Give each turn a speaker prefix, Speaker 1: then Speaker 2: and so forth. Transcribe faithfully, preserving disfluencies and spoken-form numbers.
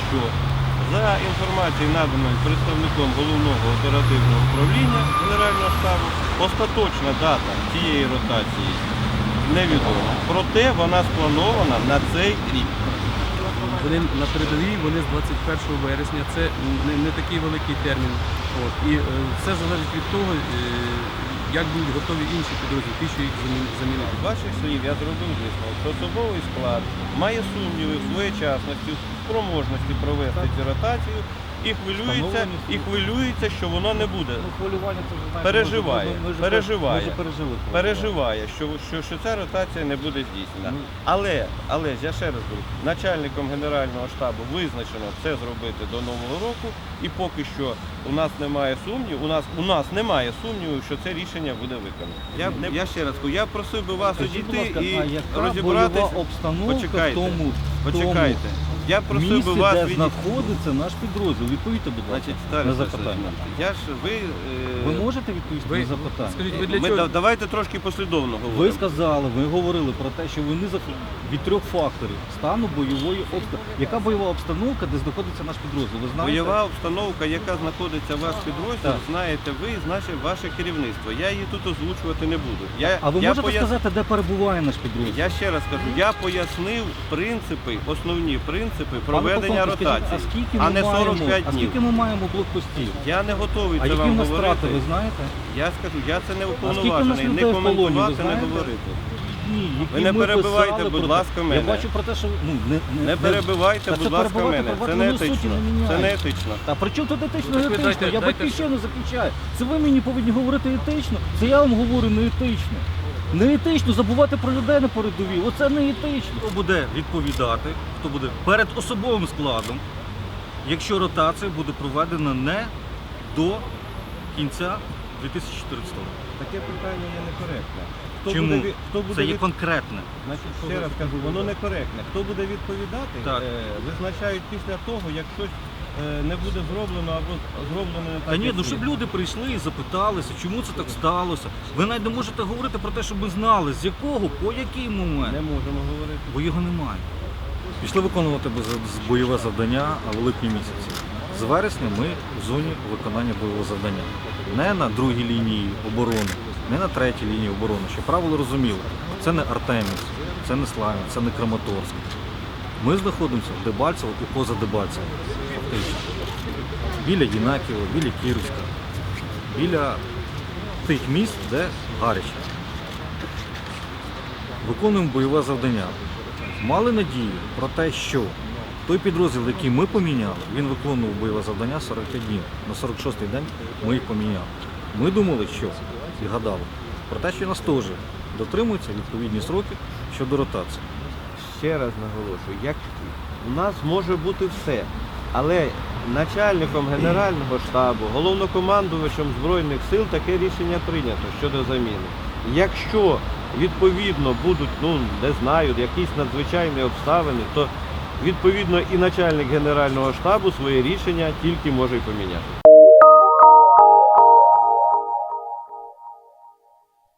Speaker 1: що за інформацією, наданою представником головного оперативного управління Генерального штабу, остаточна дата цієї ротації невідома. Проте вона спланована на цей рік.
Speaker 2: Вони на передовій, вони з двадцять першого вересня, це не, не такий великий термін. От. І е, все залежить від того, е, як будуть готові інші підрозділи, ті, що їх замінити.
Speaker 1: З ваших слів я зробив висновок, що особовий склад має сумніви в своєчасності, в спроможності провести цю ротацію і хвилюється, і хвилюється, що воно не буде.
Speaker 3: Ну, хвилювання це вже знаєте,
Speaker 1: Переживає,
Speaker 3: ми, ми, ми,
Speaker 1: переживає,
Speaker 3: ми вже пережили.
Speaker 1: переживає, що, що, що ця ротація не буде здійснена.
Speaker 3: Ну.
Speaker 1: Але, але я ще раз говорю, начальником Генерального штабу визначено це зробити до Нового року, і поки що у нас немає сумніву, у нас, у нас немає сумніву, що це рішення буде виконано. Я, я ще раз кажу, я просив би вас
Speaker 3: Скажіть, будь
Speaker 1: одійти
Speaker 3: ласка, а
Speaker 1: і
Speaker 3: яка
Speaker 1: розібратися.
Speaker 3: бойова обстановка
Speaker 1: Почекайте,
Speaker 3: в тому,
Speaker 1: Почекайте. Я
Speaker 3: в
Speaker 1: просив
Speaker 3: місці,
Speaker 1: би вас
Speaker 3: де
Speaker 1: відійти.
Speaker 3: знаходиться наш підрозділ. Відповідьте, будь ласка,
Speaker 1: Значить,
Speaker 3: на
Speaker 1: Старий
Speaker 3: запитання.
Speaker 1: Олександр, я ж ви. е,
Speaker 3: Ви можете відповісти
Speaker 2: Ви,
Speaker 3: на запитання?
Speaker 2: скажіть, ви для
Speaker 1: Ми
Speaker 2: чого?
Speaker 1: да- давайте трошки послідовно
Speaker 3: Ви
Speaker 1: говоримо.
Speaker 3: сказали, ви говорили про те, що вони за- від трьох факторів стану бойової обстановки. Яка бойова обстановка, де знаходиться наш підрозділ? Ви знаєте?
Speaker 1: Бойова обстановка, яка знаходиться в вас підрозділ,
Speaker 3: Так.
Speaker 1: знаєте ви і наше ваше керівництво. Я її тут озвучувати не буду. Я,
Speaker 3: А ви
Speaker 1: я
Speaker 3: можете
Speaker 1: пояс-
Speaker 3: сказати, де перебуває наш підрозділ?
Speaker 1: Я ще раз кажу, я пояснив принципи, основні принципи
Speaker 3: Пане
Speaker 1: проведення
Speaker 3: полковник, скажіть,
Speaker 1: ротації,
Speaker 3: а скільки
Speaker 1: а
Speaker 3: ми
Speaker 1: не
Speaker 3: маємо,
Speaker 1: сорок п'ять
Speaker 3: а
Speaker 1: днів.
Speaker 3: скільки ми маємо блокпостів?
Speaker 1: Я не готовий
Speaker 3: А
Speaker 1: це
Speaker 3: які
Speaker 1: вам
Speaker 3: в нас
Speaker 1: говорити.
Speaker 3: втрати, ви знаєте?
Speaker 1: Я скажу, я це не
Speaker 3: скільки в нас
Speaker 1: уповноважений, не
Speaker 3: людей в полоні, ви
Speaker 1: коментувати, не
Speaker 3: знаєте?
Speaker 1: говорити.
Speaker 3: Ні, які
Speaker 1: Ви не
Speaker 3: ми
Speaker 1: перебивайте,
Speaker 3: писали
Speaker 1: будь
Speaker 3: про
Speaker 1: ласка,
Speaker 3: те.
Speaker 1: мене.
Speaker 3: Я бачу про те, що ну не, не,
Speaker 1: Не перебивайте,
Speaker 3: Та
Speaker 1: будь
Speaker 3: це
Speaker 1: ласка,
Speaker 3: перебивати
Speaker 1: мене. Це
Speaker 3: перебивати
Speaker 1: не
Speaker 3: воно суті
Speaker 1: етично.
Speaker 3: не міняє.
Speaker 1: Це не етично.
Speaker 3: Та при чому тут етично,
Speaker 2: Ну,
Speaker 3: не
Speaker 2: так ви
Speaker 3: етично?
Speaker 2: дайте-
Speaker 3: Я
Speaker 2: дайте-
Speaker 3: батьківщину захищаю. Це ви мені повинні говорити етично. Це я вам говорю не етично. Не етично забувати про людей на передовій. Оце не етично. Хто буде відповідати, хто буде перед особовим складом, якщо ротація буде проведена не до кінця дві тисячі чотирнадцятого року.
Speaker 1: Таке питання є некоректне. Хто
Speaker 3: Чому?
Speaker 1: буде, від- хто буде
Speaker 3: Це є
Speaker 1: від-
Speaker 3: конкретне.
Speaker 1: Значить, ще раз кажу, воно некоректне. Хто буде відповідати,
Speaker 3: Так.
Speaker 1: е, визначають після того, як щось е, не буде зроблено або зроблено не так.
Speaker 3: Та ні,
Speaker 1: як
Speaker 3: ну
Speaker 1: слід.
Speaker 3: щоб люди прийшли і запиталися, чому це так сталося. Ви навіть не можете говорити про те, щоб ми знали, з якого, по який момент.
Speaker 1: Не можемо говорити.
Speaker 3: Бо його немає. Пішли виконувати без- бойове завдання в липні місяці. З вересня ми в зоні виконання бойового завдання. Не на другій лінії оборони, не на третій лінії оборони. Щоб правило розуміли, це не Артемівськ, це не Славянськ, це не Краматорськ. Ми знаходимося в Дебальцево і поза Дебальцево, фактично. Біля Єнакієва, біля Кіровська, біля тих міст, де гаряче. Виконуємо бойове завдання. Мали надію про те, що той підрозділ, який ми поміняли, він виконував бойове завдання сорок п'ять днів. На сорок шостий день ми їх поміняли. Ми думали, що і гадали про те, що нас теж дотримуються відповідні сроки щодо ротації.
Speaker 1: Ще раз наголошую, як у нас може бути все, але начальником Генерального штабу, головнокомандувачем Збройних сил таке рішення прийнято щодо заміни. Якщо відповідно будуть, ну не знаю, якісь надзвичайні обставини, то відповідно і начальник Генерального штабу своє рішення тільки може й поміняти.